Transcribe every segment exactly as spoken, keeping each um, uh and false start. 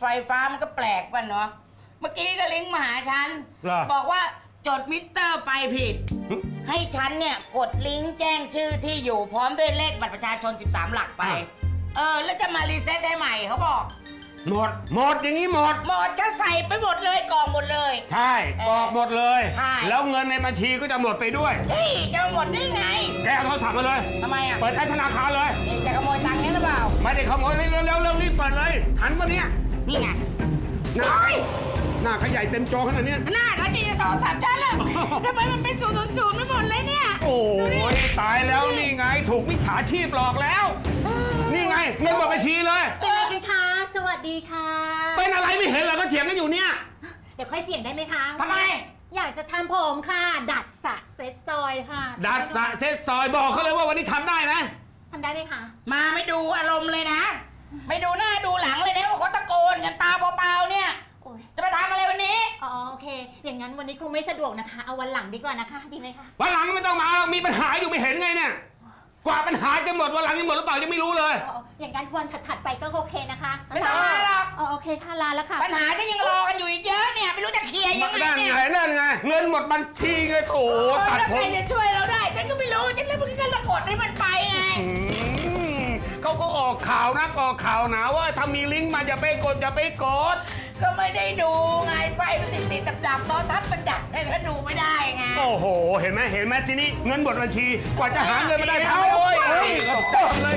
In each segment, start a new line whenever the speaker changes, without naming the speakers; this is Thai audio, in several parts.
ไฟฟ้ามันก็แปลกกว่าเนาะเมื่อกี้ก็ลิงก์มาหาฉันบอกว่าจดมิเตอร์ไฟผิดให้ฉันเนี่ยกดลิงก์แจ้งชื่อที่อยู่พร้อมด้วยเลขบัตรประชาชนสิบสามหลักไปเออแล้วจะมารีเซ็ตได้ใหม่เขาบอก
หมดหมดอย่างนี้หมด
หมดจะใส่ไปหมดเลยกองหมดเลย
ใช่กองหมดเลย
ใช่
แล้วเงินในบัญชีก็จะหมดไปด้วย
เฮ้ยจะหมดได้ไง
แกเอาโทรศัพท์มาเลย
ทำไมอ่ะ
เปิดแอปธนาคารเลย
นี่จะขโมยตังค์นี้หรือเปล่า
ไม่ได้ขโมยเร็วเร็วเร็วรีบเปิดเลยทันปะเนี่ย
นี่ไง
หน้าหน้าขยายเต็มจอขนาดนี้
หน้าเขาจะจะต่อทับได้เลยทำไมมันเป็นศูนย์ศูนย์ไม่หมดเลยเนี่ย
โอ้ยตายแล้วนี่ไงถูกมิจฉาชีพหลอกแล้วนี่ไงเงินหมดบัญชีเลย
เป็นอะไรกันคะสวัสดีค่ะ
เป็นอะไรไม่เห็นเหรอก็เถียงกันอยู่เนี่ย
เดี๋ยวค่อยเถียงได้ไหมคะ
ทำไม
อยากจะทำผมค่ะดัดสระเซ็ตซอยค่ะ
ดัดสระเซ็ตซอยบอกเขาเลยว่าวันนี้ทำได้ไหม
ทำได้ไหมคะ
มาไม่ดูอารมณ์เลยนะไม่ดูหน้าดูหลังเลยนะว่าเขาตะโกนกันตาเปล่าๆเนี่ยจะไปทำอะไรวันนี้
อ๋อโอเคอย่างนั้นวันนี้คงไม่สะดวกนะคะเอาวันหลังดีกว่านะคะดีไหมคะ
วันหลังไม่ต้องมามีปัญหาอยู่ไม่เห็นไงเนี่ยกว่าปัญหาจะหมดวันหลังจะหมดหรือเปล่ายังไม่รู้เลย
อย่างนั้นวันถัดๆไปก็โอเคนะคะ
ไม่ต้องมาหรอก
อ๋อโอเคค่ะลาแล้วค่ะ
ปัญหาจะยังรอกันอยู่อีกเยอะเนี่ยไม่รู้จะเคลียร์ยังไงเนี่ย
นั่นไงเงินหมดบัญชีไงโถ
ตัดผมใครจะช่วยเราได้ฉันก็ไม่รู้ฉันเลยมึงก็ระกดให้มันไปไง
เขาก็ออกข่าวนะออกข่าวนะว่าถ้ามีลิงก์มาอย่าไปกดอย่าไปกด
ก็ไม่ได้ดูไงไฟมันติดติดดับดับตอนทัดมันดับเลยก็ดูไม่ได้ไง
โอ้โหเห็นไหมเห็นไหมทีนี้เงินหมดบัญชีกว่าจะหาเงินมาได้เท่าโอ้ยเฮ้ยตกเลย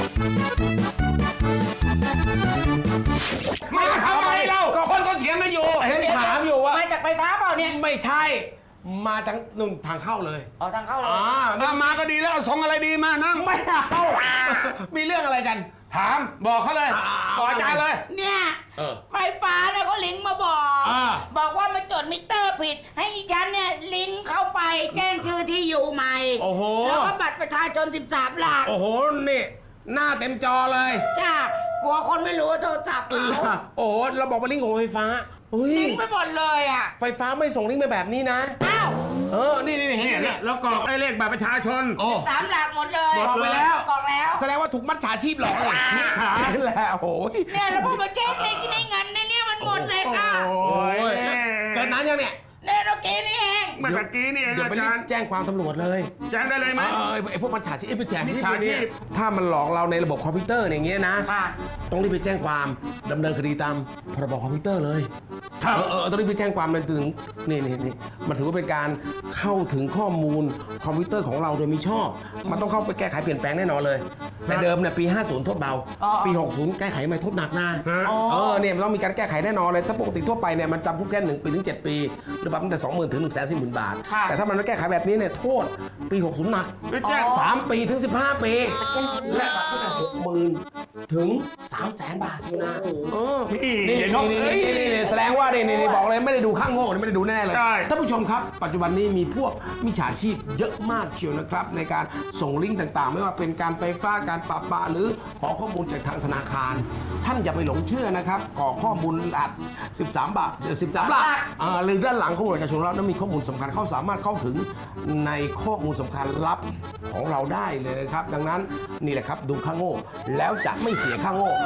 มาทำไมเราคนก็เถียงกันอยู่
เห็นถามอยู่ว่า
มาจากไฟฟ้าเปล่าเนี่ย
ไม่ใช่มาทางนุ่นทางเข้าเลย
อ๋อทางเข้าเลย
อ่ามาก็ดีแล้วเอาส่งอะไรดีมานั่ง
ไม่เอามีเรื่องอะไรกัน
ถามบอกเขาเลยบอกอาจารย์เลย
เนี่ยไฟฟ้าเนี่ยเขาลิงก์มาบอกบอกว่ามาจดมิเตอร์ผิดให้ดิฉันเนี่ยลิงก์เข้าไปแจ้งชื่อที่อยู่ใหม่
โอ้โห
แล้วก็บัตรประชาชนสิบสามหลัก
โอ้โหนี่หน้าเต็มจอเลย
จ้ากลัวคนไม่รู้ว่าโทรศัพท์เขา
โอ้เราบอกว่าลิงก์ของไฟฟ้า
ลิงก์ไปหมดเลยอ่ะ
ไฟฟ้าไม่ส่งลิงก์ไปแบบนี้นะ
อ้าว
เออนี่นี่เห็นเนี่ย
แล้วกรอกไอ้เลขบัตรประชาชน
สามหลักหมดเลย
กรอกไปแล้ว
กรอกแล้ว
แสดงว่าถูกมัดฉาชีพหลอกเลย
มิจฉา
แล้วโอ้ย
เนี่ยแล้วพอมาแจ้งเลขในเงินในเนี่ยมันหมดเลยค่ะ
โอ้ยเกิดนั้นยังเนี่ย
เนี่ยเราเกนี่เอง
เมื่อกี้นี่เอง
เดี๋ยวไปแจ้งความตำรวจเลย
แจ้งได้เลยไหม
เออไอ้พวกมันฉาชีพเป็นแฉชีพเนี่ยถ้ามันหลอกเราในระบบคอมพิวเตอร์อย่างเงี้ยนะต้องรีบไปแจ้งความดำเนินคดีตามพรบคอมพิวเตอร์เลยเออเออต้องรีบไปแจ้งความเลยถึงนี่นี่นี่มันถือว่าเป็นการเข้าถึงข้อมูลคอมพิวเตอร์ของเราโดยมิชอบมันต้องเข้าไปแก้ไขเปลี่ยนแปลงแน่นอนเลยแต่เดิมเนี่ยปีห้าสิบโทษเบาปีหกสิบแก้ไขใหม่โทษหนักนะเออเนี่ยมันต้องมีการแก้ไขแน่นอนเลยถ้าปกติทั่วไปเนี่ยมันจำคุกแค่หนึ่งปีถึงเจ็ดปีหรือปรับตั้งแต่สองหมื่นถึงหนึ่งแสนสี่หมื่นบาทแต่ถ้ามันไม่แก้ไขแบบนี้เนี่ยโทษปีหกสิบหนักสามปีถึงสิบห้าปีและปรับตั้งแต่หกหมื่นถึงสามแสนบาททีนะเออนี่นี่นี่แสดงว่านี่นี่บอกเลยไม่ได้ดูข้างโง่ไม่ได้ดูแน่เลยท่านผู้ชมครับปัจจุบันนี้มีพวกมิจฉาชีพเยอะมากเชียวนะครับในการส่งลิงก์ต่างๆไม่ว่าเป็นการไฟฟ้าการปะปาหรือขอข้อมูลจากทางธนาคารท่านอย่าไปหลงเชื่อนะครับกรอกข้อมูลอัดสิบสามบาทสิบสามหลักหรือด้านหลังข้อมูลประชาชนเรานั้นมีข้อมูลสำคัญเขาสามารถเข้าถึงในข้อมูลสำคัญลับของเราได้เลยนะครับดังนั้นนี่แหละครับดูข้างโง่แล้วจะไม่เสียข้างโง่